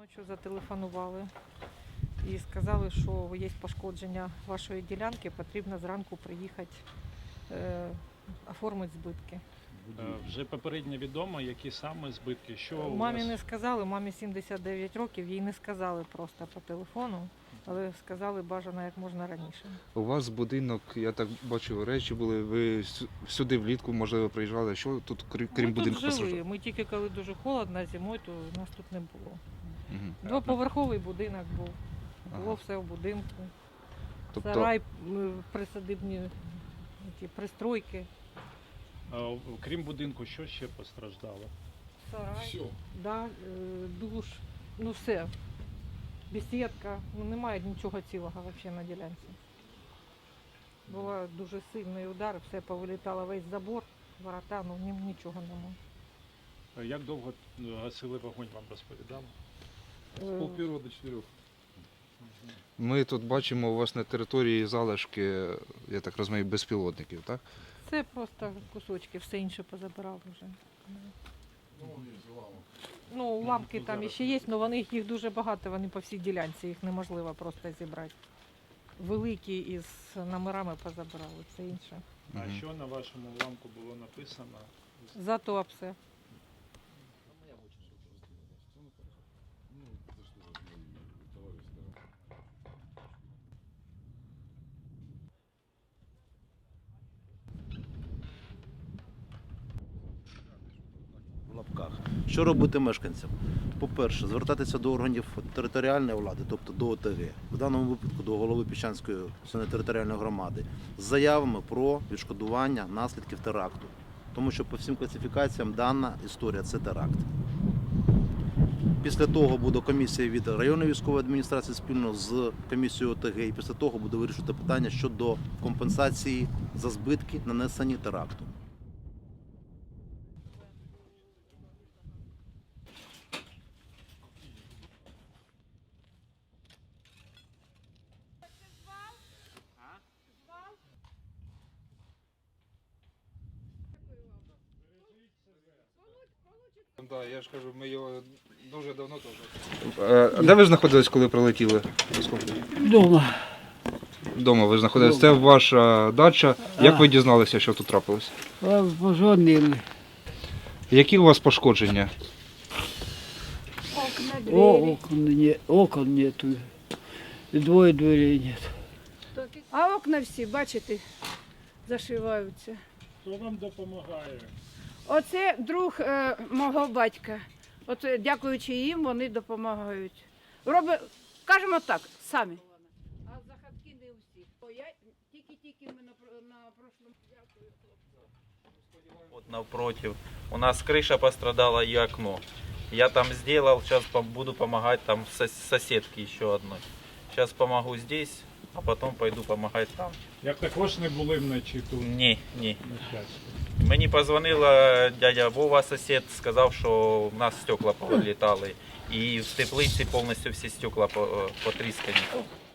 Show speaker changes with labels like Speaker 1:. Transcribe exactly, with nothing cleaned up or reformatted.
Speaker 1: Ночі зателефонували і сказали, що є пошкодження вашої ділянки, потрібно зранку приїхати, е, оформити збитки.
Speaker 2: Е, Вже попередньо відомо, які саме збитки, що у
Speaker 1: Мамі
Speaker 2: вас?
Speaker 1: не сказали, мамі сімдесят дев'ять років, їй не сказали просто по телефону, але сказали бажано як можна раніше.
Speaker 3: У вас будинок, я так бачив, речі були, ви сю- сюди влітку, можливо, приїжджали. Що тут, крім крім
Speaker 1: Ми
Speaker 3: будинку,
Speaker 1: тут жили,
Speaker 3: постраждало?
Speaker 1: ми тільки коли дуже холодно зимою, то нас тут не було.
Speaker 3: Мгм.
Speaker 1: Двоповерховий будинок був, було
Speaker 3: Ага.
Speaker 1: все в будинку.
Speaker 3: Тобто,
Speaker 1: Сарай, м, присадибні ті пристройки.
Speaker 2: Е, Крім будинку, що ще постраждало?
Speaker 1: Сарай, да, е, душ, ну все. Бесідка, ну немає нічого цілого взагалі на ділянці. Був дуже сильний удар, все повилітало, весь забор, ворота, ну ні- нічого немає.
Speaker 2: Е, Як довго е, гасили вогонь, вам розповідали?
Speaker 1: Е,
Speaker 4: Полпервого до чотирьох.
Speaker 3: ми тут бачимо у вас на території залишки, я так розумію, безпілотників, так?
Speaker 1: Це просто кусочки, все інше позабирали вже. Ну, уламки там ще є, але вони, їх дуже багато, вони по всій ділянці, їх неможливо просто зібрати. Великі із номерами позабирали, це інше.
Speaker 2: А
Speaker 3: Мгм.
Speaker 2: що на вашому уламку було написано?
Speaker 1: Зато все.
Speaker 5: В лапках. Що робити мешканцям? По-перше, звертатися до органів територіальної влади, тобто до О Те Ге, в даному випадку до голови Піщанської територіальної громади, з заявами про відшкодування наслідків теракту. Тому що по всім класифікаціям дана історія – це теракт. Після того буде комісія від районної військової адміністрації спільно з комісією О Те Ге, і після того буде вирішувати питання щодо компенсації за збитки, нанесені теракту.
Speaker 3: Да, я ж кажу, ми його дуже давно теж. Де ви знаходились, коли прилетіли?
Speaker 6: Дома.
Speaker 3: Дома ви знаходились. Це ваша дача. Як ви дізналися, що тут трапилось?
Speaker 6: А позвонили.
Speaker 3: Які у вас пошкодження?
Speaker 6: О, окон, не, окон нету. И двое дверей нет.
Speaker 7: А окна всі, бачите, зашиваються.
Speaker 2: Хто вам допомагає?
Speaker 7: Оце друг е, мого батька. От е, дякуючи їм, вони допомагають. Роби, кажемо так, самі. А за хатки не всі. О, я тільки-тільки ми на, про- на прошлому. Дякую, хлопці.
Speaker 8: Вот напротив. У нас крыша пострадала и окно. Я там сделал, сейчас буду помогать там сос- соседке еще одной. Сейчас помогу здесь, а потом пойду помогать там.
Speaker 2: Як також не були вночі тут?
Speaker 8: Ні, ні.
Speaker 2: На щастя.
Speaker 8: Мені позвонила дядя Вова, сусід, сказав, що в нас стекла повилітали. І в теплиці повністю всі стекла по- потріскані.